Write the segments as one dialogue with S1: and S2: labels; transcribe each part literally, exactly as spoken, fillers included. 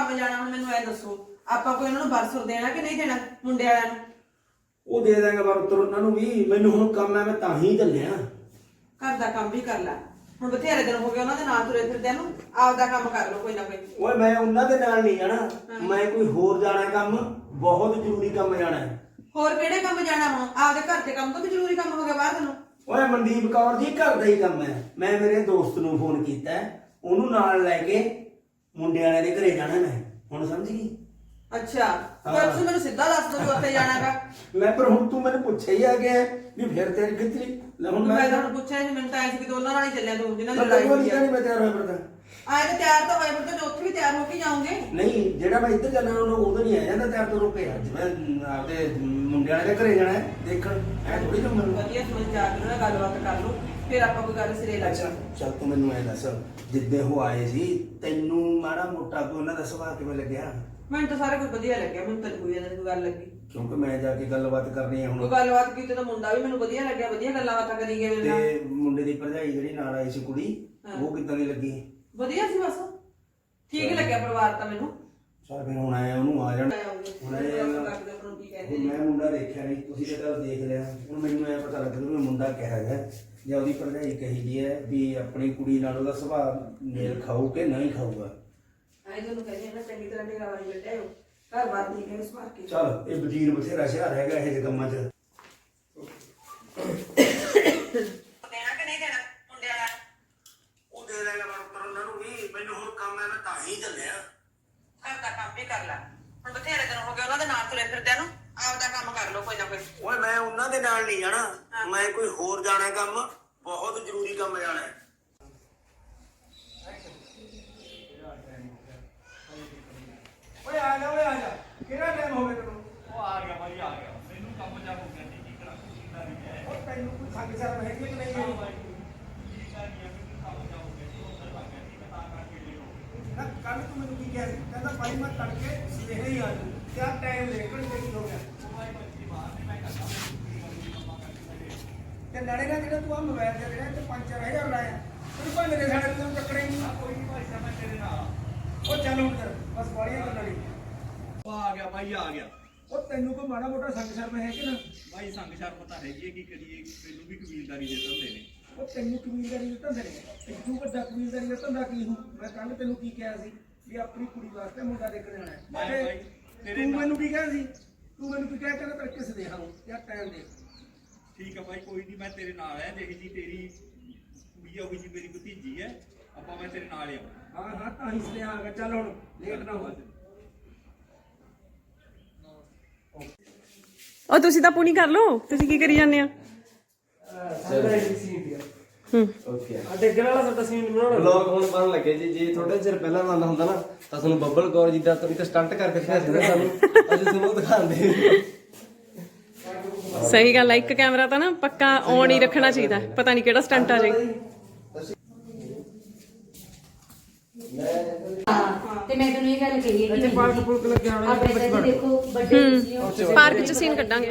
S1: ਕੰਮ ਜਾਣਾ ਹੁਣ ਮੈਨੂੰ ਐ ਦੱਸੋ ਆਪਾਂ ਕੋਈ ਉਹਨਾਂ ਨੂੰ ਬਰਸੁਰ ਦੇਣਾ ਕਿ ਨਹੀਂ ਦੇਣਾ ਮੁੰਡੇ ਵਾਲਿਆਂ ਨੂੰ?
S2: ਉਹ ਦੇ ਦਾਂਗਾ ਪਰ ਉੱਤਰ ਉਹਨਾਂ ਨੂੰ ਵੀ। ਮੈਨੂੰ ਹੁਣ ਕੰਮ ਹੈ ਮੈਂ ਤਾਂ ਹੀ ਚੱਲਿਆ।
S1: ਘਰ ਦਾ ਕੰਮ ਵੀ ਕਰ ਲੈ ਹੁਣ, ਬਥੇਰੇ ਦਿਨ ਹੋ ਗਏ ਉਹਨਾਂ ਦੇ ਨਾਲ ਤੁਰੇ ਫਿਰਦਿਆਂ ਨੂੰ। ਆਪਦਾ ਕੰਮ ਕਰ ਲਓ ਕੋਈ ਨਾ ਕੋਈ।
S2: ਓਏ ਮੈਂ ਉਹਨਾਂ ਦੇ ਨਾਲ ਨਹੀਂ ਜਾਣਾ, ਮੈਂ ਕੋਈ ਹੋਰ ਜਾਣਾ ਕੰਮ, ਬਹੁਤ ਜ਼ਰੂਰੀ ਕੰਮ ਜਾਣਾ ਹੈ।
S1: ਹੋਰ ਕਿਹੜੇ ਕੰਮ ਜਾਣਾ ਹੁਣ? ਆਪਦੇ ਘਰ ਦੇ ਕੰਮ ਤੋਂ ਵੀ ਜ਼ਰੂਰੀ ਕੰਮ ਹੋ ਗਿਆ ਬਾਹਰ ਨੂੰ।
S2: ਓਏ ਮਨਦੀਪ ਕੌਰ ਜੀ ਘਰ ਦਾ ਹੀ ਕੰਮ ਹੈ। ਮੈਂ ਮੇਰੇ ਦੋਸਤ ਨੂੰ ਫੋਨ ਕੀਤਾ, ਉਹਨੂੰ ਨਾਲ ਲੈ ਕੇ ਮੁੰਡੇ ਵਾਲਿਆਂ ਦੇ ਘਰੇ ਜਾਣਾ ਮੈਂ। ਹੁਣ ਸਮਝ ਗਈ?
S1: ਅੱਛਾ ਪਰ ਤੁਸੀਂ ਮੈਨੂੰ ਸਿੱਧਾ ਦੱਸ ਦੋ ਉੱਥੇ ਜਾਣਾਗਾ।
S2: ਮੈਂ ਪਰ ਹੁਣ ਤੂੰ ਮੈਨੂੰ ਪੁੱਛਿਆ ਹੀ ਆ ਗਿਆ ਵੀ ਫਿਰ ਤੇਰੀ ਕਿੱਥੇ ਲੈ ਹੁਣ
S1: ਮੈਂ ਤੁਹਾਨੂੰ ਪੁੱਛਿਆ ਸੀ, ਮੈਨੂੰ ਤਾਂ ਐਂ ਸੀ ਕਿ ਦੋਨਾਂ ਨਾਲ ਹੀ ਚੱਲਿਆ ਤੂੰ ਜਿਹਨਾਂ ਦੀ
S2: ਲੜਾਈ
S1: ਲੜਾਈ ਹੋਈ ਆ।
S2: ਨਹੀਂ ਮੈਂ ਤਿਆਰ ਹੋਇਆ ਫਿਰਦਾ।
S1: ਆਏ ਤਾਂ ਤਿਆਰ ਤਾਂ ਹੋਏ ਫਿਰ ਤਾਂ ਉੱਥੇ ਵੀ ਤਿਆਰ ਹੋ ਕੇ ਜਾਓਗੇ।
S2: ਨਹੀਂ ਜਿਹੜਾ ਮੈਂ ਇੱਧਰ ਜਾਣਾ ਉਹਨੂੰ ਉਧਰ ਨਹੀਂ ਆ ਜਾਂਦਾ ਤਿਆਰ ਤੋਂ ਰੁਕੇ। ਅੱਜ ਮੈਂ ਆਪਦੇ ਮੁੰਡੇ ਵਾਲੇ ਦੇ ਘਰੇ ਜਾਣਾ ਹੈ ਦੇਖਣ। ਐ ਥੋੜੀ ਕੰਮ ਮੈਨੂੰ
S1: ਵਧੀਆ ਸਮਝ ਜਾ ਕੇ ਉਹਨਾਂ ਨਾਲ ਗੱਲਬਾਤ ਕਰ ਲਓ, ਫਿਰ ਆਪਾਂ ਕੋਈ ਗੱਲ ਸਿਰੇ ਲਾ
S2: ਅੱਛਾ ਚੱਲ ਤੂੰ ਮੈਨੂੰ ਐ ਦੱਸ, ਜਿੱਦੇ ਉਹ ਆਏ ਸੀ ਤੈਨੂੰ ਮਾੜਾ ਮੋਟਾ ਕੋਈ ਉਹਨਾਂ ਦਾ ਸੁਭਾਅ ਕਿਵੇਂ ਲੱਗਿਆ?
S1: ਮੈਨੂੰ ਤਾਂ ਸਾਰਾ ਕੁਝ ਵਧੀਆ ਲੱਗਿਆ, ਮੈਨੂੰ ਤਾਂ ਕੋਈ ਇਹਦਾ ਕੋਈ ਗੱਲ ਲੱਗੀ।
S2: ਕਿਉਂਕਿ ਮੈਂ ਜਾ ਕੇ ਗੱਲਬਾਤ ਕਰਨੀ ਹੈ
S1: ਕੋਈ
S2: ਹੁਣ।
S1: ਗੱਲਬਾਤ ਕੀਤੀ ਤਾਂ ਮੁੰਡਾ ਵੀ ਮੈਨੂੰ ਵਧੀਆ ਲੱਗਿਆ, ਵਧੀਆ ਗੱਲਾਂ ਬਾਤਾਂ ਕਰੀ ਗਏ ਮੇਰੇ ਨਾਲ।
S2: ਤੇ ਮੁੰਡੇ ਦੀ ਭਰਜਾਈ ਜਿਹੜੀ ਨਾਲ ਆਈ ਸੀ ਕੁੜੀ, ਉਹ ਕਿੱਦਾਂ ਦੀ ਲੱਗੀ?
S1: ਵਧੀਆ ਸੀ ਬਸ, ਠੀਕ ਲੱਗਿਆ ਪਰਿਵਾਰ ਤਾਂ ਮੈਨੂੰ।
S2: ਚੱਲ ਫਿਰ ਹੁਣ ਆਇਆ ਉਹਨੂੰ ਆ ਜਾਣ। ਹੁਣ ਮੈਂ ਮੁੰਡਾ ਦੇਖਿਆ ਨਹੀਂ, ਤੁਸੀਂ ਤਾਂ ਚੱਲ ਦੇਖ ਲਿਆ। ਹੁਣ ਮੈਨੂੰ ਐ ਪਤਾ ਲੱਗ ਰਿਹਾ ਮੁੰਡਾ ਕਿਹੋ ਜਿਹਾ ਜਾਂ ਉਹਦੀ ਭਰਜਾਈ ਕਹੀ ਜੀ ਹੈ ਵੀ ਆਪਣੀ ਕੁੜੀ ਨਾਲ ਉਹਦਾ ਸੁਭਾਅ ਮੇਲ ਖਾਊ ਕਿ ਨਹੀਂ ਖਾਊਗਾ।
S1: ਆਏ ਤੁਹਾਨੂੰ ਕਹਿੰਦੇ ਨਾ ਚੰਗੀ ਤਰ੍ਹਾਂ ਨਿਗਾਹ ਵਾਲੀ ਬੈਠੇ ਹੋ, ਘਰ ਬਾਰ ਨਹੀਂ ਹੈ ਇਸ ਵਾਰ ਕੇ।
S2: ਚੱਲ ਇਹ ਵਜ਼ੀਰ ਬਥੇਰਾ ਸ਼ਹਿਰ ਹੈਗਾ ਇਹ ਜਿਹੇ ਕੰਮਾਂ 'ਚ।
S1: ਦੇਣਾ ਕਿ ਨਹੀਂ ਦੇਣਾ ਮੁੰਡੇ ਵਾਲਾ?
S2: ਉਹ ਦੇ ਦੇਗਾ ਪਰ ਉੱਤਰ ਉਹਨਾਂ ਨੂੰ ਵੀ। ਮੈਨੂੰ ਹੁਣ ਕੰਮ ਹੈ ਮੈਂ ਤਾਂ ਹੀ ਚੱਲਿਆ।
S1: ਘਰ ਦਾ ਕੰਮ ਵੀ ਕਰ ਲੈ ਹੁਣ, ਬਥੇਰੇ ਦਿਨ ਹੋ ਗਏ ਉਹਨਾਂ ਦੇ ਨਾਲ ਤੁਰੇ ਫਿਰਦਿਆਂ ਨੂੰ। ਆਪਦਾ ਕੰਮ ਕਰ ਲਓ ਕੋਈ ਨਾ ਕੋਈ।
S2: ਓਏ ਮੈਂ ਉਹਨਾਂ ਦੇ ਨਾਲ ਨਹੀਂ ਜਾਣਾ, ਮੈਂ ਕੋਈ ਹੋਰ ਜਾਣਾ ਕੰਮ, ਬਹੁਤ ਜ਼ਰੂਰੀ ਕੰਮ ਜਾਣਾ ਹੈ। ਓਏ ਆ ਜਾ ਓਏ ਆ ਜਾ, ਕਿਹੜਾ ਟਾਈਮ ਹੋ ਗਿਆ ਤੈਨੂੰ?
S3: ਉਹ ਆ ਗਿਆ ਭਾਈ ਆ ਗਿਆ, ਮੈਨੂੰ ਕੰਮ ਜਾ ਹੋ ਗਿਆ ਜੀ। ਕੀ ਕਰਾਂ ਕੀ ਕਰੀ ਹੈ
S2: ਉਹ ਤੈਨੂੰ ਕੋਈ ਸੰਗ ਸ਼ਰਮ ਹੈਗੀ ਕਿ ਨਹੀਂ ਹੈ?
S3: ਕੀ ਕਰੀ ਹੈ ਮੈਨੂੰ ਕੰਮ ਜਾ ਹੋ ਗਿਆ ਜੀ। ਉੱਧਰ ਲੱਗ ਗਿਆ ਜੀ, ਮੈਂ ਤਾਂ ਕਰਕੇ ਲਿਓ
S2: ਨਾ ਕੱਲ ਤੂੰ ਮੈਨੂੰ ਕੀ ਕਿਹਾ ਸੀ? ਕਹਿੰਦਾ ਭਾਈ ਮੈਂ ਤੜਕੇ ਸਵੇਰੇ ਹੀ ਆ ਜੂ। ਕਿਆ ਟਾਈਮ ਲੈ ਕੇ ਕੀ ਹੋ ਗਿਆ?
S3: ਭਾਈ ਬੱਚੀ ਬਾਹਰ ਨੇ, ਮੈਂ ਕਰਦਾ
S2: ਤੇ ਨਾਲੇ ਨਾ ਜਿਹੜਾ ਤੂੰ ਆ ਮੋਬਾਈਲ ਤੇ ਜਿਹੜਾ ਤੇ ਪੰਜ ਚਾਰ ਹਜ਼ਾਰ ਲਾਇਆ, ਤੂੰ ਭਾਵੇਂ ਮੇਰੇ ਸਾਡੇ ਤੋਂ ਟੱਕਰੇ ਨਹੀਂ।
S3: ਕੋਈ ਨਹੀਂ ਭਾਈ ਸਾਹਿਬ, ਮੈਂ ਤੇਰੇ ਨਾਲ।
S2: ਉਹ ਚੱਲ ਹੁਣ ਕਰ ਬਸ ਬਾੜੀਆਂ ਕਰਨ ਵਾਲੀ।
S3: ਉਹ ਆ ਗਿਆ ਭਾਈ ਆ ਗਿਆ।
S2: ਉਹ ਤੈਨੂੰ ਕੋਈ ਮਾੜਾ ਮੋਟਾ ਸੰਗ ਸ਼ਰਮ ਹੈ ਕਿ ਨਾ?
S3: ਭਾਈ ਸੰਗ ਸ਼ਰਮ ਤਾਂ ਹੈਗੀ ਹੈ, ਕੀ ਕਰੀਏ, ਮੈਨੂੰ ਵੀ ਕਬੀਲਦਾਰੀ ਦੇ ਦਿੰਦੇ ਨੇ।
S2: ਉਹ ਤੈਨੂੰ ਕਬੀਲਦਾਰੀ ਦਾ ਧੰਦਾ ਨਹੀਂ, ਤੂੰ ਵੱਡਾ ਕਬੀਲਦਾਰੀ ਦਾ ਧੰਦਾ ਕੀ ਹੂੰ? ਮੈਂ ਕੱਲ ਤੈਨੂੰ ਕੀ ਕਿਹਾ ਸੀ ਵੀ ਆਪਣੀ ਕੁੜੀ ਵਾਸਤੇ ਮੁੰਡਾ ਦੇਖਣ ਜਾਣਾ ਹੈ।
S3: ਮੈਂ
S2: ਤੇ
S3: ਭਾਈ ਤੇਰੇ
S2: ਤੂੰ
S3: ਨਾਲ-
S2: ਮੈਨੂੰ ਕੀ ਕਿਹਾ ਸੀ? ਤੂੰ ਮੈਨੂੰ ਕੀ ਕਿਹਾ? ਕਹਿੰਦਾ ਤੜਕੇ ਸੇ ਦੇਖਾਂ ਯਾਰ ਟਾਈਮ ਦੇ।
S3: ਠੀਕ ਹੈ ਭਾਈ, ਕੋਈ ਨਹੀਂ, ਮੈਂ ਤੇਰੇ ਨਾਲ ਹੈ। ਦੇਖ ਜੀ ਤੇਰੀ ਕੁੜੀ ਆ, ਉਹੀ ਜੀ ਮੇਰੀ ਭਤੀਜੀ ਹੈ, ਆਪਾਂ ਮੈਂ ਤੇਰੇ ਨਾਲ ਹੀ ਆਵਾਂ।
S2: ਹਾਂ ਹਾਂ ਤਾਂ ਹੀ ਸਲੇ ਆਗਾ। ਚੱਲ ਹੁਣ ਲੇਟ ਨਾ ਹੋ।
S4: ਉਹ ਤੁਸੀਂ ਤਾਂ ਪੂਣੀ ਕਰ ਲਓ, ਤੁਸੀਂ ਕੀ ਕਰੀ ਜਾਂਦੇ ਆ?
S5: ਡਿੱਗਣ ਵਾਲਾ ਸਾਡਾ ਸੀਨ ਬਣਾਉਣਾ ਵਲੌਗ ਹੁਣ ਬਣਨ ਲੱਗੇ ਜੀ। ਜੇ ਥੋੜੇ ਚਿਰ ਪਹਿਲਾਂ ਬਣਦਾ ਹੁੰਦਾ ਨਾ ਤਾਂ ਤੁਹਾਨੂੰ ਬੱਬਲ ਕੌਰ ਜੀ ਦਾ ਤੁਸੀਂ ਤਾਂ ਸਟੰਟ ਕਰਕੇ ਦਿਖਾ ਦਿੰਦੇ ਸਾਨੂੰ, ਅੱਜ ਤੁਹਾਨੂੰ ਦਿਖਾਉਂਦੇ।
S4: ਸਹੀ ਗੱਲ ਆ, ਇੱਕ ਕੈਮਰਾ ਤਾਂ ਨਾ ਪੱਕਾ ਔਨ ਹੀ ਰੱਖਣਾ ਚਾਹੀਦਾ, ਪਤਾ ਨਹੀਂ ਕਿਹੜਾ ਸਟੰਟ ਆ ਜਾਏ।
S6: ਤੇ ਮੈਂ ਤੁਹਾਨੂੰ ਇਹ ਗੱਲ ਕਹੀ ਹੈ ਕਿ
S5: ਪਾਰਕ ਪੁਲਕ ਲੱਗਿਆ ਹੋਣਾ
S6: ਆਪਣੇ ਤਾਂ ਦੇਖੋ ਵੱਡੇ ਤੁਸੀਂ
S4: ਪਾਰਕ 'ਚ ਸੀਨ ਕੱਢਾਂਗੇ।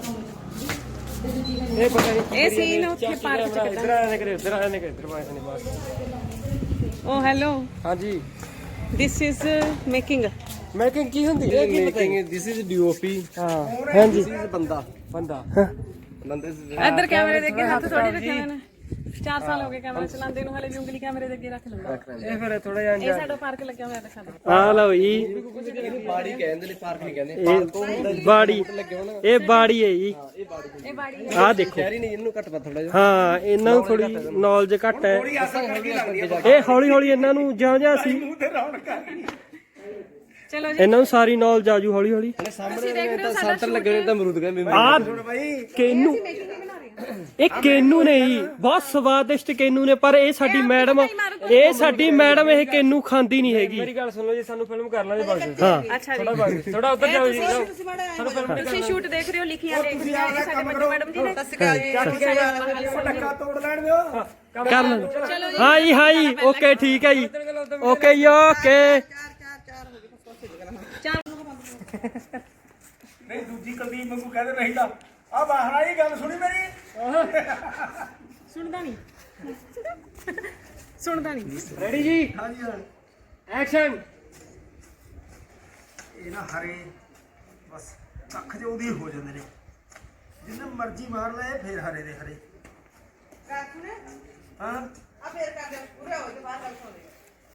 S5: ਇਹ ਪਤਾ ਨਹੀਂ
S4: ਇਹ ਸੀਨ ਉੱਥੇ ਪਾਰਕ 'ਚ
S5: ਇੱਧਰ
S4: ਕੱਢਾਂਗੇ।
S5: ਆਣੇ ਕਰੇ ਇੱਧਰ ਆਣੇ ਕਰੇ ਇੱਧਰ ਪਾਸੇ ਨਹੀਂ ਬਸ।
S4: ਓ ਹੈਲੋ,
S5: ਹਾਂਜੀ
S4: ਦਿਸ ਇਜ਼ ਮੇਕਿੰਗ।
S5: ਮੇਕਿੰਗ ਕੀ ਹੁੰਦੀ ਹੈ? ਕੀ ਪਤਾ ਹੈ? This is DOP. ਹਾਂ ਹਾਂਜੀ, ਦਿਸ ਇਜ਼ ਬੰਦਾ ਬੰਦਾ ਬੰਦੇ।
S4: ਇੱਧਰ ਕੈਮਰੇ ਦੇ ਅੱਗੇ ਹੱਥ ਥੋੜੀ ਰੱਖਿਆ ਮੈਨੇ। ਚਾਰ ਸਾਲ ਹੋ ਗਏ ਕੈਮਰਾ ਚਲਾਉਂਦੇ ਨੂੰ, ਹਲੇ ਵੀ ਉਂਗਲੀ ਕੈਮਰੇ ਦੇ ਅੱਗੇ ਰੱਖ ਲੈਂਦਾ।
S5: ਇਹ ਫਿਰ ਥੋੜਾ ਜਿਹਾ
S4: ਇਹ ਸਾਡਾ ਪਾਰਕ ਲੱਗਿਆ ਹੋਇਆ ਦਿਖਾ ਦਿਓ।
S5: ਆ ਲਓ ਜੀ,
S3: ਇਹਨੂੰ ਬਾੜੀ ਕਹਿੰਦੇ ਨੇ, ਪਾਰਕ ਨਹੀਂ ਕਹਿੰਦੇ।
S5: ਇਹ ਬਾੜੀ, ਇਹ ਬਾੜੀ ਹੈ ਜੀ।
S4: ਇਹ ਬਾੜੀ
S5: ਆਹ ਦੇਖੋ,
S3: ਸ਼ਹਿਰੀ ਨਹੀਂ, ਇਹਨੂੰ ਘੱਟ ਪਾ ਥੋੜਾ ਜਿਹਾ।
S5: ਹਾਂ ਇਹਨਾਂ ਨੂੰ ਥੋੜੀ ਨੌਲੇਜ ਘੱਟ ਹੈ। ਇਹ ਹੌਲੀ ਹੌਲੀ ਇਹਨਾਂ ਨੂੰ ਜਿਉਂ ਜਿਉਂ ਅਸੀਂ
S4: ਚਲੋ ਜੀ,
S5: ਇਹਨਾਂ ਨੂੰ ਸਾਰੀ ਨੌਲੇਜ ਆਜੂ ਹੌਲੀ ਹੌਲੀ।
S4: ਤੁਸੀਂ ਦੇਖ ਰਹੇ ਹੋ ਸਾਡਾ
S5: ਸੈਂਟਰ ਲੱਗੇ ਨੇ ਤਾਂ ਅਮਰੂਦ ਕਹਿੰਦੇ
S4: ਆ
S5: ਕੇਨੂ। ਇਹ ਕੇਨੂ ਨੇ ਜੀ, ਬਹੁਤ ਸਵਾਦਿਸ਼ਟ ਕੇਨੂ ਨੇ, ਪਰ ਇਹ ਸਾਡੀ ਮੈਡਮ ਇਹ ਸਾਡੀ ਮੈਡਮ ਇਹ ਕੇਨੂ ਖਾਂਦੀ ਨਹੀਂ ਹੈਗੀ। ਮੇਰੀ ਗੱਲ ਸੁਣੋ ਜੀ, ਸਾਨੂੰ ਫਿਲਮ ਕਰ ਲਾਂਗੇ ਬਸ। ਹਾਂ
S4: ਅੱਛਾ ਜੀ,
S5: ਥੋੜਾ ਉੱਧਰ ਜਾਓ ਜੀ।
S4: ਤੁਸੀਂ ਸ਼ੂਟ ਦੇਖ ਰਹੇ ਹੋ, ਲਿਖੀਆਂ ਦੇਖ ਰਹੇ ਹੋ, ਸਾਡੇ ਬੱਚੇ ਮੈਡਮ ਜੀ ਨੇ।
S2: ਟੱਕਾ ਤੋੜ ਲੈਣ ਦਿਓ।
S5: ਕਰ ਲੈਂਦੇ। ਹਾਂ ਜੀ ਹਾਂ ਜੀ, ਓਕੇ ਠੀਕ ਹੈ ਜੀ, ਓਕੇ ਜੀ ਓਕੇ।
S2: ਨਹੀਂ ਦੂਜੀ ਕੁਲਦੀਪ ਵਾਂਗੂ ਕਹਿੰਦੇ ਨਹੀਂ ਤਾਂ ਆ ਬਾਹਰ ਆਈ ਗੱਲ ਸੁਣੀ ਮੇਰੀ।
S4: ਸੁਣਦਾ ਨਹੀਂ ਸੁਣਦਾ ਨਹੀਂ।
S5: ਰੈਡੀ ਜੀ,
S2: ਹਾਂਜੀ ਹਾਂ
S5: ਐਕਸ਼ਨ।
S2: ਇਹ ਨਾ ਹਰੇ ਬਸ ਕੱਖ ਜਿਹੇ ਉਹਦੀ ਹੋ ਜਾਂਦੇ ਨੇ, ਜਿੰਨੇ ਮਰਜ਼ੀ ਮਾਰ ਲਏ ਫੇਰ ਹਰੇ ਦੇ ਹਰੇ।
S1: ਰਾਤ ਨੂੰ
S2: ਹਾਂ
S1: ਆ ਫੇਰ ਕਰਦੇ ਪੂਰੇ ਹੋ ਕੇ ਬਾਹਰ ਗੱਲ ਸੁਣਦੇ